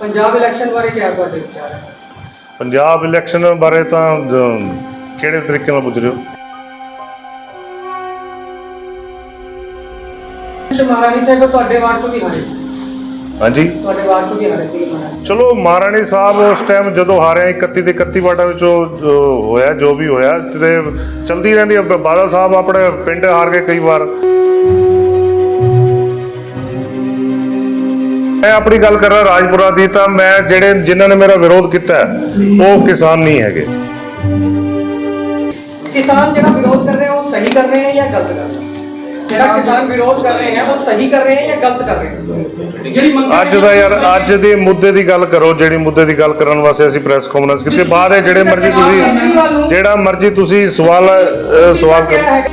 Punjab election बारे क्या ਤੁਹਾਡੇ ਵਿਚਾਰ ਹੈ? पंजाब इलेक्शन बारे ਤਾਂ ਕਿਹੜੇ ਤਰੀਕੇ ਨਾਲ ਪੁੱਛ ਰਹੇ ਹੋ? ਮਹਾਰਾਣੀ ਸਾਹਿਬ ਤੁਹਾਡੇ ਵਾਰਡ ਤੋਂ ਵੀ ਹਾਰੇ, ਹਾਂਜੀ ਤੁਹਾਡੇ ਵਾਰਡ ਤੋਂ ਵੀ ਹਾਰੇ ਸੀ ਮਹਾਰਾਣੀ। ਚਲੋ ਮਹਾਰਾਣੀ ਸਾਹਿਬ ਉਸ ਟਾਈਮ ਜਦੋਂ ਹਾਰਿਆ 31 ਦੇ 31 ਵਾਰਡਾਂ ਵਿੱਚੋਂ ਹੋਇਆ ਜੋ ਵੀ ਹੋਇਆ ਤੇ ਚਲਦੀ ਰਹਿੰਦੀ ਹੈ। ਬਾਦਲ ਸਾਹਿਬ ਆਪਣੇ ਪਿੰਡ ਹਾਰ ਗਏ ਕਈ ਵਾਰ। ਮੈਂ ਆਪਣੀ ਗੱਲ ਕਰ ਰਿਹਾ ਰਾਜਪੁਰਾ ਦੀ, ਤਾਂ ਮੈਂ ਜਿਹੜੇ ਜਿਨ੍ਹਾਂ ਨੇ ਮੇਰਾ ਵਿਰੋਧ ਕੀਤਾ ਉਹ ਕਿਸਾਨ ਨਹੀਂ ਹੈਗੇ। किसान ਜਿਹੜਾ ਵਿਰੋਧ ਕਰ ਰਹੇ हैं वो सही कर रहे हैं या गलत कर रहे हैं? ਜਿਹੜਾ किसान विरोध कर रहे हैं वो सही कर रहे हैं या गलत कर रहे हैं? ਜਿਹੜੀ ਅੱਜ ਦਾ ਯਾਰ ਅੱਜ ਦੇ ਮੁੱਦੇ ਦੀ ਗੱਲ ਕਰੋ। ਜਿਹੜੀ ਮੁੱਦੇ ਦੀ ਗੱਲ ਕਰਨ ਵਾਸਤੇ ਅਸੀਂ ਪ੍ਰੈਸ ਕਾਨਫਰੰਸ ਕੀਤੀ। ਬਾਅਦ ਹੈ ਜਿਹੜੇ ਮਰਜ਼ੀ ਤੁਸੀਂ ਸਵਾਲ ਕਰੋ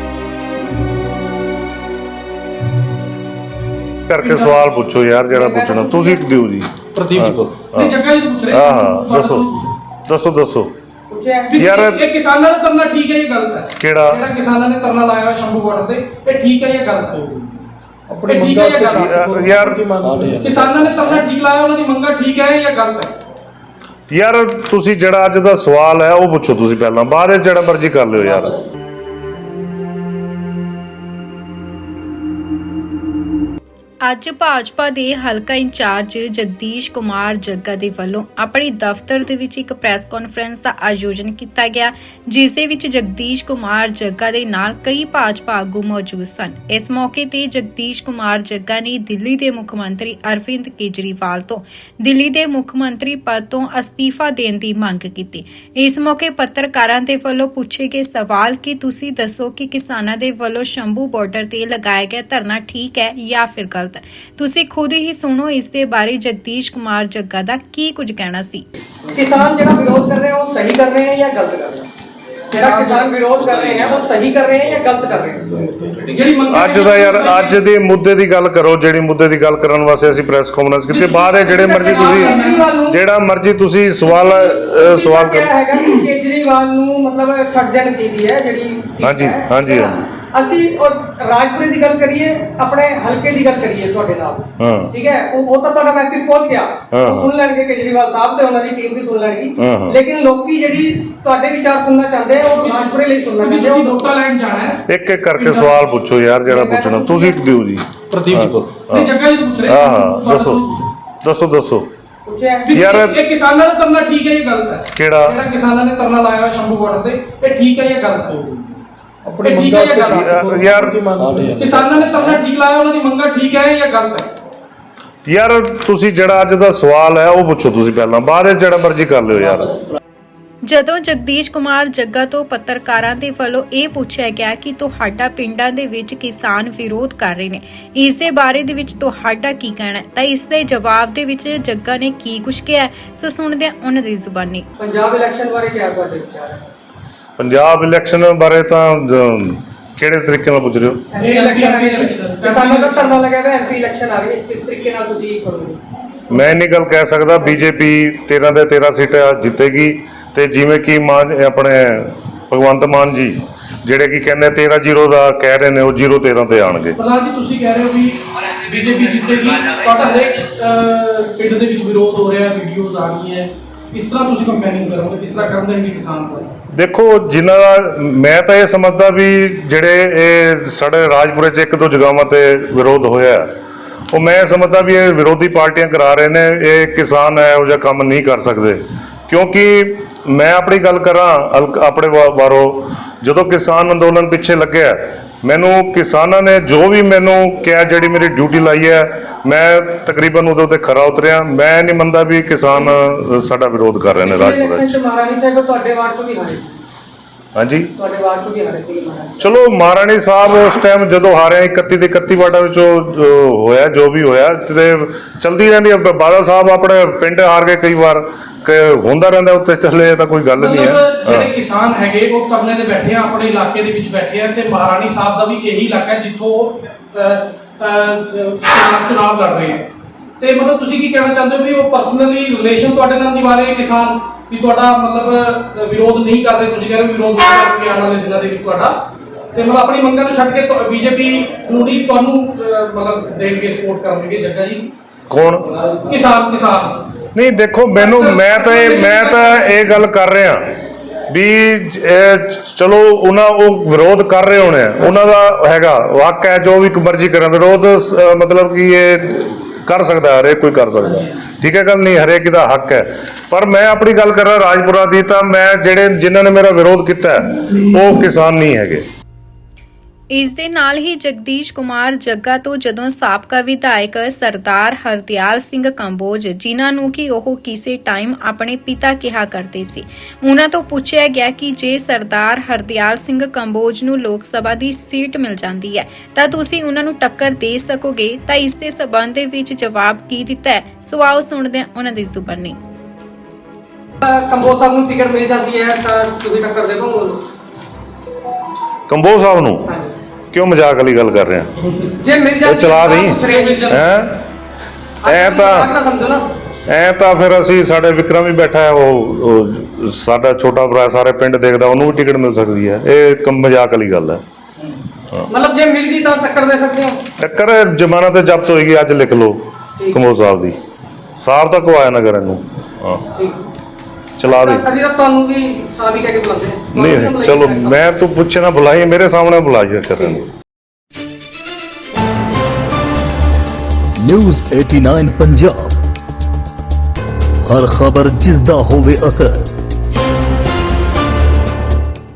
ਕਰਕੇ ਸਵਾਲ ਪੁੱਛੋ ਯਾਰ ਜਿਹੜਾ ਪੁੱਛਣਾ ਤੁਸੀਂ ਦਿਓ ਜੀ। ਪ੍ਰਦੀਪ ਜੀ ਕੋਲ ਨਹੀਂ ਜੱਗਾ ਜੀ ਤੋਂ ਪੁੱਛ ਰਹੇ ਹਾਂ ਦੱਸੋ ਯਾਰ ਇਹ ਕਿਸਾਨਾਂ ਦਾ ਧਰਨਾ ਠੀਕ ਹੈ ਜਾਂ ਗਲਤ ਹੈ? ਜਿਹੜਾ ਕਿਸਾਨਾਂ ਨੇ ਧਰਨਾ ਲਾਇਆ ਹੋਇਆ ਸ਼ੰਭੂ ਬਾਰਡਰ ਤੇ ਇਹ ਠੀਕ ਹੈ ਜਾਂ ਗਲਤ ਹੈ? ਇਹ ਠੀਕ ਹੈ ਜਾਂ ਗਲਤ ਯਾਰ ਕਿਸਾਨਾਂ ਨੇ ਧਰਨਾ ਠੀਕ ਲਾਇਆ, ਉਹਨਾਂ ਦੀ ਮੰਗਾਂ ਠੀਕ ਹੈ ਜਾਂ ਗਲਤ ਹੈ? ਯਾਰ ਤੁਸੀਂ ਜਿਹੜਾ ਅੱਜ ਦਾ ਸਵਾਲ ਹੈ ਉਹ ਪੁੱਛੋ ਤੁਸੀਂ ਪਹਿਲਾਂ, ਬਾਅਦ ਵਿੱਚ ਜਿਹੜਾ ਮਰਜ਼ੀ ਕਰ ਲਿਓ ਯਾਰ। ਅੱਜ ਭਾਜਪਾ ਦੇ ਹਲਕਾ ਇੰਚਾਰਜ ਜਗਦੀਸ਼ ਕੁਮਾਰ ਜੱਗਾ ਦੇ ਵੱਲੋਂ ਆਪਣੇ ਦਫ਼ਤਰ ਦੇ ਵਿੱਚ ਇੱਕ ਪ੍ਰੈਸ ਕਾਨਫਰੰਸ ਦਾ ਆਯੋਜਨ ਕੀਤਾ ਗਿਆ, ਜਿਸ ਦੇ ਵਿੱਚ ਜਗਦੀਸ਼ ਕੁਮਾਰ ਜੱਗਾ ਦੇ ਨਾਲ ਕਈ ਭਾਜਪਾ ਆਗੂ ਮੌਜੂਦ ਸਨ। ਇਸ ਮੌਕੇ ਤੇ ਜਗਦੀਸ਼ ਕੁਮਾਰ ਜੱਗਾ ਨੇ ਦਿੱਲੀ ਦੇ ਮੁੱਖ ਮੰਤਰੀ ਅਰਵਿੰਦ ਕੇਜਰੀਵਾਲ ਤੋਂ ਦਿੱਲੀ ਦੇ ਮੁੱਖ ਮੰਤਰੀ ਪਦ ਤੋਂ ਅਸਤੀਫਾ ਦੇਣ ਦੀ ਮੰਗ ਕੀਤੀ। ਇਸ ਮੌਕੇ ਪੱਤਰਕਾਰਾਂ ਦੇ ਵੱਲੋਂ ਪੁੱਛੇ ਗਏ ਸਵਾਲ ਕਿ ਤੁਸੀਂ ਦੱਸੋ ਕਿ ਕਿਸਾਨਾਂ ਦੇ ਵੱਲੋਂ ਸ਼ੰਭੂ ਬਾਰਡਰ ਤੇ ਲਗਾਇਆ ਗਿਆ ਧਰਨਾ ਠੀਕ ਹੈ ਜਾਂ ਫਿਰ ਗਲਤ? ਤੁਸੀਂ ਖੁਦ ਹੀ ਸੁਣੋ ਇਸ ਦੇ ਬਾਰੇ ਜਗਦੀਸ਼ ਕੁਮਾਰ ਜੱਗਾ ਦਾ ਕੀ ਕੁਝ ਕਹਿਣਾ ਸੀ। किसान ਜਿਹੜਾ ਵਿਰੋਧ ਕਰ ਰਹੇ हैं वो सही कर रहे हैं या गलत कर रहे हैं? ਜਿਹੜਾ किसान विरोध कर रहे हैं वो सही कर रहे हैं या गलत कर रहे हैं? ਜਿਹੜੀ ਅੱਜ ਦਾ ਯਾਰ ਅੱਜ ਦੇ ਮੁੱਦੇ ਦੀ ਗੱਲ ਕਰੋ। ਜਿਹੜੀ ਮੁੱਦੇ ਦੀ ਗੱਲ ਕਰਨ ਵਾਸਤੇ ਅਸੀਂ ਪ੍ਰੈਸ ਕਾਨਫਰੰਸ ਕੀਤੀ। ਬਾਅਦ ਹੈ ਜਿਹੜੇ ਮਰਜ਼ੀ ਤੁਸੀਂ ਸਵਾਲ ਕਰੋ। ਹੈਗਾ ਕਿ ਕੇਜਰੀਵਾਲ ਨੂੰ ਮਤਲਬ ਛੱਡ ਦੇਣੀ ਚਾਹੀਦੀ ਹੈ ਜਿਹੜੀ ਹਾਂਜੀ ਅਸੀਂ ਰਾਜਪੁਰੇ ਦੀ ਗੱਲ ਕਰੀਏ, ਆਪਣੇ ਹਲਕੇ ਦੀ ਗੱਲ ਕਰੀਏ ਤੁਹਾਡੇ ਨਾਲ, ਠੀਕ ਹੈ, ਉਹ ਤਾਂ ਤੁਹਾਡਾ ਮੈਸੇਜ ਪਹੁੰਚ ਗਿਆ, ਸੁਣ ਲੈਣਗੇ ਕੇਜਰੀਵਾਲ ਸਾਹਿਬ ਤੇ ਉਹਨਾਂ ਦੀ ਟੀਮ ਵੀ ਸੁਣ ਲੈਣਗੀ। ਲੇਕਿਨ ਲੋਕੀ ਜਿਹੜੀ ਤੁਹਾਡੇ ਵਿਚਾਰ ਸੁਣਨਾ ਚਾਹੁੰਦੇ ਆ ਉਹ ਰਾਜਪੁਰੇ ਲਈ ਸੁਣਨਾ ਚਾਹੁੰਦੇ ਆ। ਤੁਸੀਂ ਡੋਟਾ ਲਾਈਨ ਜਾਣਾ ਹੈ, ਇੱਕ ਕਰਕੇ ਸਵਾਲ ਪੁੱਛੋ ਯਾਰ ਜਿਹੜਾ ਪੁੱਛਣਾ ਤੁਸੀਂ ਦਿਓ ਜੀ। ਪ੍ਰਦੀਪ ਜੀ ਕੋਲ ਨਹੀਂ ਜੱਗਾ ਜੀ ਤੋਂ ਪੁੱਛ ਰਹੇ ਦੱਸੋ ਯਾਰ ਇਹ ਕਿਸਾਨਾਂ ਦਾ ਧਰਨਾ ਠੀਕ ਹੈ ਜਾਂ ਗਲਤ ਹੈ? ਜਿਹੜਾ ਕਿਸਾਨਾਂ ਨੇ ਧਰਨਾ ਲਾਇਆ ਹੋਇਆ ਸ਼ੰਭੂ ਬਾਰਡਰ ਤੇ ਇਹ ਠੀਕ ਹੈ ਜਾਂ ਗਲਤ ਹੈ? ਯਾਰ ਕਿਸਾਨਾਂ ਨੇ ਧਰਨਾ ਠੀਕ ਲਾਇਆ, ਉਹਨਾਂ ਦੀ ਮੰਗਾਂ ਠੀਕ ਹੈ ਜਾਂ ਗਲਤ ਹੈ? ਯਾਰ ਤੁਸੀਂ ਜਿਹੜਾ ਅੱਜ ਦਾ ਸਵਾਲ ਹੈ ਉਹ ਪੁੱਛੋ ਤੁਸੀਂ ਪਹਿਲਾਂ, ਬਾਅਦ ਵਿੱਚ ਜਿਹੜਾ ਮਰਜ਼ੀ ਕਰ ਲਿਓ ਯਾਰ। ਜਦੋਂ ਜਗਦੀਸ਼ ਕੁਮਾਰ ਜੱਗਾ ਤੋਂ ਪੱਤਰਕਾਰਾਂ ਦੇ ਵੱਲੋਂ ਇਹ ਪੁੱਛਿਆ ਗਿਆ ਕਿ ਤੁਹਾਡਾ ਪਿੰਡਾਂ ਦੇ ਵਿੱਚ ਕਿਸਾਨ ਵਿਰੋਧ ਕਰ ਰਹੇ ਨੇ, ਇਸ ਦੇ ਬਾਰੇ ਦੇ ਵਿੱਚ ਤੁਹਾਡਾ ਕੀ ਕਹਿਣਾ ਹੈ, ਤਾਂ ਇਸ ਦੇ ਜਵਾਬ ਦੇ ਵਿੱਚ ਜੱਗਾ ਨੇ ਕੀ ਕੁਝ ਕਿਹਾ, ਸੋ ਸੁਣਦੇ ਹਾਂ ਉਹਨਾਂ ਦੀ ਜ਼ੁਬਾਨੀ। ਪੰਜਾਬ ਇਲੈਕਸ਼ਨ ਬਾਰੇ ਕੀ ਤੁਹਾਡੇ ਵਿਚਾਰ ਹੈ? ਪੰਜਾਬ ਇਲੈਕਸ਼ਨ ਬਾਰੇ ਤਾਂ ਕਿਹੜੇ ਤਰੀਕੇ ਨਾਲ ਪੁੱਛ ਰਹੇ ਹੋ? ਕਿਸਾਨਾਂ ਦਾ ਧਰਨਾ ਲੱਗਿਆ ਹੋਇਆ, ਐਮਪੀ ਇਲੈਕਸ਼ਨ ਆ ਰਹੀ ਹੈ, ਕਿਸ ਤਰੀਕੇ ਨਾਲ ਤੁਸੀਂ ਕਰੋਗੇ? ਮੈਂ ਨਹੀਂ ਗੱਲ ਕਹਿ ਸਕਦਾ। ਬੀਜੇਪੀ 13 ਦੇ 13 ਸੀਟਾਂ ਜਿੱਤੇਗੀ ਤੇ ਜਿਵੇਂ ਕਿ ਆਪਣੇ ਭਗਵੰਤ ਮਾਨ ਜੀ ਜਿਹੜੇ ਕਿ ਕਹਿੰਦੇ 13-0 ਦਾ ਕਹਿ ਰਹੇ ਨੇ, ਉਹ 0-13 ਤੇ ਆਣਗੇ। ਪ੍ਰਧਾਨ ਜੀ ਤੁਸੀਂ ਕਹਿ ਰਹੇ ਹੋ ਵੀ ਬੀਜੇਪੀ ਜਿੱਤੇਗੀ, ਤੁਹਾਡਾ ਹਰੇਕ ਪਿੰਡ ਦੇ ਵਿੱਚ ਵਿਰੋਧ ਹੋ ਰਿਹਾ, ਵੀਡੀਓਜ਼ ਆ ਰਹੀਆਂ, ਕਿਸ ਤਰ੍ਹਾਂ ਤੁਸੀਂ ਕੰਪੇਨਿੰਗ ਕਰੋਗੇ, ਕਿਸ ਤਰ੍ਹਾਂ ਕਰਨ ਦੇਣਗੇ ਕਿਸਾਨ ਕੋਲ? ਦੇਖੋ ਜਿਨ੍ਹਾਂ ਦਾ ਮੈਂ ਤਾਂ ਇਹ ਸਮਝਦਾ ਵੀ ਜਿਹੜੇ ਇਹ ਸਾਡੇ ਰਾਜਪੁਰੇ 'ਚ ਇੱਕ ਦੋ ਜਗ੍ਹਾਵਾਂ ਤੇ ਵਿਰੋਧ ਹੋਇਆ, ਉਹ ਮੈਂ ਸਮਝਦਾ ਵੀ ਇਹ ਵਿਰੋਧੀ ਪਾਰਟੀਆਂ ਕਰਾ ਰਹੇ ਨੇ। ਇਹ ਕਿਸਾਨ ਇਹੋ ਜਿਹਾ ਕੰਮ ਨਹੀਂ ਕਰ ਸਕਦੇ, ਕਿਉਂਕਿ ਮੈਂ ਆਪਣੀ ਗੱਲ ਕਰਾਂ ਆਪਣੇ ਬਾਰੋਂ, ਜਦੋਂ ਕਿਸਾਨ ਅੰਦੋਲਨ ਪਿੱਛੇ ਲੱਗਿਆ, ਮੈਨੂੰ ਕਿਸਾਨਾਂ ਨੇ ਜੋ ਵੀ ਮੈਨੂੰ ਕਿਹਾ, ਜਿਹੜੀ ਮੇਰੀ ਡਿਊਟੀ ਲਾਈ ਹੈ, ਮੈਂ ਤਕਰੀਬਨ ਉਹਦੇ ਉੱਤੇ ਖਰਾ ਉਤਰਿਆ। ਮੈਂ ਨਹੀਂ ਮੰਨਦਾ ਵੀ ਕਿਸਾਨ ਸਾਡਾ ਵਿਰੋਧ ਕਰ ਰਹੇ ਨੇ ਰਾਜਪੁਰਾ 'ਚ। ਮਹਾਰਾਣੀ ਸਾਹਿਬ ਤੁਹਾਡੇ ਵਾਰਡ ਤੋਂ ਵੀ ਹਾਰੇ, ਹਾਂਜੀ ਤੁਹਾਡੇ ਵਾਰਡ ਤੋਂ ਵੀ ਹਾਰੇ ਸੀ ਮਹਾਰਾਣੀ। ਚਲੋ ਮਹਾਰਾਣੀ ਸਾਹਿਬ ਉਸ ਟਾਈਮ ਜਦੋਂ ਹਾਰਿਆ 31 ਦੇ 31 ਵਾਰਡਾਂ ਵਿੱਚੋਂ ਹੋਇਆ ਜੋ ਵੀ ਹੋਇਆ ਤੇ ਚਲਦੀ ਰਹਿੰਦੀ ਹੈ। ਬਾਦਲ ਸਾਹਿਬ ਆਪਣੇ ਪਿੰਡ ਹਾਰ ਗਏ ਕਈ ਵਾਰ, ਹੁੰਦਾ ਰਹਿੰਦਾ ਉੱਤੇ ਚੱਲੇ, ਤਾਂ ਕੋਈ ਗੱਲ ਨਹੀਂ ਹੈ। ਜਿਹੜੇ ਕਿਸਾਨ ਹੈਗੇ ਉਹ ਧਰਨੇ ਤੇ ਬੈਠੇ ਆ, ਆਪਣੇ ਇਲਾਕੇ ਦੇ ਵਿੱਚ ਬੈਠੇ ਆ, ਤੇ ਮਹਾਰਾਣੀ ਸਾਹਿਬ ਦਾ ਵੀ ਇਹੀ ਇਲਾਕਾ ਹੈ ਜਿੱਥੋਂ ਚੁਣਾਵ ਲੜ ਰਹੇ ਆ। ਤੇ ਮਤਲਬ ਤੁਸੀਂ ਕੀ ਕਹਿਣਾ ਚਾਹੁੰਦੇ ਹੋ ਵੀ ਉਹ ਪਰਸਨਲੀ ਰਿਲੇਸ਼ਨ ਤੁਹਾਡੇ ਨਾਲ ਨਿਭਾ ਰਹੇ ਕਿਸਾਨ, ਵੀ ਤੁਹਾਡਾ ਮਤਲਬ ਵਿਰੋਧ ਨਹੀਂ ਕਰ ਰਹੇ? ਤੁਸੀਂ ਕਹਿ ਰਹੇ ਹੋ ਵਿਰੋਧ ਕਰਕੇ ਆਉਣ ਵਾਲੇ ਦਿਨਾਂ ਦੇ ਵਿੱਚ ਤੁਹਾਡਾ, ਤੇ ਮਤਲਬ ਆਪਣੀ ਮੰਗਾਂ ਨੂੰ ਛੱਡ ਕੇ ਬੀਜੇਪੀ ਨੂੰ ਨਹੀਂ ਤੁਹਾਨੂੰ ਮਤਲਬ ਦੇਣਗੇ, ਸਪੋਰਟ ਕਰਨਗੇ ਜੱਗਾ ਜੀ? ਕੌਣ? ਕਿਸਾਨ ਨਹੀਂ ਦੇਖੋ ਮੈਨੂੰ ਮੈਂ ਤਾਂ ਇਹ ਗੱਲ ਕਰ ਰਿਹਾ ਵੀ ਚਲੋ ਉਹ ਵਿਰੋਧ ਕਰ ਰਹੇ ਹੋਣੇ ਆ, ਉਹਨਾਂ ਦਾ ਹੈਗਾ ਹੱਕ ਹੈ ਜੋ ਵੀ ਮਰਜ਼ੀ ਕਰਨ ਵਿਰੋਧ, ਮਤਲਬ ਕਿ ਇਹ ਕਰ ਸਕਦਾ, ਹਰੇਕ ਕੋਈ ਕਰ ਸਕਦਾ, ਠੀਕ ਹੈ ਗੱਲ ਨਹੀਂ, ਹਰੇਕ ਦਾ ਹੱਕ ਹੈ। ਪਰ ਮੈਂ ਆਪਣੀ ਗੱਲ ਕਰ ਰਿਹਾ ਰਾਜਪੁਰਾ ਦੀ, ਤਾਂ ਮੈਂ ਜਿਨ੍ਹਾਂ ਨੇ ਮੇਰਾ ਵਿਰੋਧ ਕੀਤਾ ਉਹ ਕਿਸਾਨ ਨਹੀਂ ਹੈਗੇ। ਇਸ ਦੇ ਨਾਲ ਹੀ ਜਗਦੀਸ਼ ਕੁਮਾਰ ਜੱਗਾ ਤੋਂ ਜਦੋਂ ਸਾਬਕਾ ਵਿਧਾਇਕ ਸਰਦਾਰ ਹਰਦਿਆਲ ਸਿੰਘ ਕੰਬੋਜ, ਜਿਨ੍ਹਾਂ ਨੂੰ ਕਿ ਉਹ ਕਿਸੇ ਟਾਈਮ ਆਪਣੇ ਪਿਤਾ ਕਿਹਾ ਕਰਦੇ ਸੀ, ਉਹਨਾਂ ਤੋਂ ਪੁੱਛਿਆ ਗਿਆ ਕਿ ਜੇ ਸਰਦਾਰ ਹਰਦਿਆਲ ਸਿੰਘ ਕੰਬੋਜ ਨੂੰ ਲੋਕ ਸਭਾ ਦੀ ਸੀਟ ਮਿਲ ਜਾਂਦੀ ਹੈ ਤਾਂ ਤੁਸੀਂ ਉਹਨਾਂ ਨੂੰ ਟੱਕਰ ਦੇ ਸਕੋਗੇ, ਤਾਂ ਇਸ ਦੇ ਸਬੰਧ ਦੇ ਵਿੱਚ ਜਵਾਬ ਕੀ ਦਿੱਤਾ ਹੈ, ਸੋ ਆਓ ਸੁਣਦੇ ਹਾਂ ਉਹਨਾਂ ਦੀ ਜ਼ੁਬਾਨੀ। ਕੰਬੋਜ ਸਾਹਿਬ ਨੂੰ ਟਿਕਟ ਮਿਲ ਜਾਂਦੀ ਹੈ ਤਾਂ ਤੁਸੀਂ ਟੱਕਰ ਦੇ ਦੋ ਕੰਬੋਜ ਸਾਹਿਬ ਨੂੰ? ਕਿਉਂ ਮਜ਼ਾਕ ਵਾਲੀ ਗੱਲ ਕਰ ਰਹੇ ਆ? ਜੇ ਮਿਲ ਜਾਂਦੀ ਚਲਾ ਦੇਈਂ। ਐ ਤਾਂ ਫਿਰ ਅਸੀਂ, ਸਾਡੇ ਵਿਕਰਮ ਵੀ ਬੈਠਾ ਹੈ, ਉਹ ਸਾਡਾ ਛੋਟਾ ਭਰਾ ਸਾਰੇ ਪਿੰਡ ਦੇਖਦਾ, ਉਹਨੂੰ ਵੀ ਟਿਕਟ ਮਿਲ ਸਕਦੀ ਹੈ। ਇਹ ਮਜ਼ਾਕ ਵਾਲੀ ਗੱਲ ਹੈ। ਮਤਲਬ ਜੇ ਮਿਲ ਗਈ ਤਾਂ ਟੱਕਰ ਦੇ ਸਕਦੇ ਹੋ? ਟੱਕਰ ਜ਼ਮਾਨਤ ਤੇ ਜ਼ਬਤ ਹੋਏਗੀ, ਅੱਜ ਲਿਖ ਲਓ ਕੰਬੋਜ ਸਾਹਿਬ ਦੀ, ਸਾਹਿਬ ਤੱਕ ਆਇਆ ਨਗਰ ਇਹਨੂੰ। ਹਾਂ ਚਲਾ ਦੇ। ਕਦੀ ਤਾਂ ਤੁਹਾਨੂੰ ਵੀ ਸਾਬੀ ਕਹਿ ਕੇ ਬੁਲਾਉਂਦੇ ਨਹੀਂ ਚਲੋ ਮੈਂ ਤੂੰ ਪੁੱਛੇ ਨਾ ਬੁਲਾਈ, ਮੇਰੇ ਸਾਹਮਣੇ ਬੁਲਾਈ ਕਰਨ। ਨਿਊਜ਼ 89 ਪੰਜਾਬ, ਹਰ ਖਬਰ ਜਿਸ ਦਾ ਹੋਵੇ ਅਸਰ।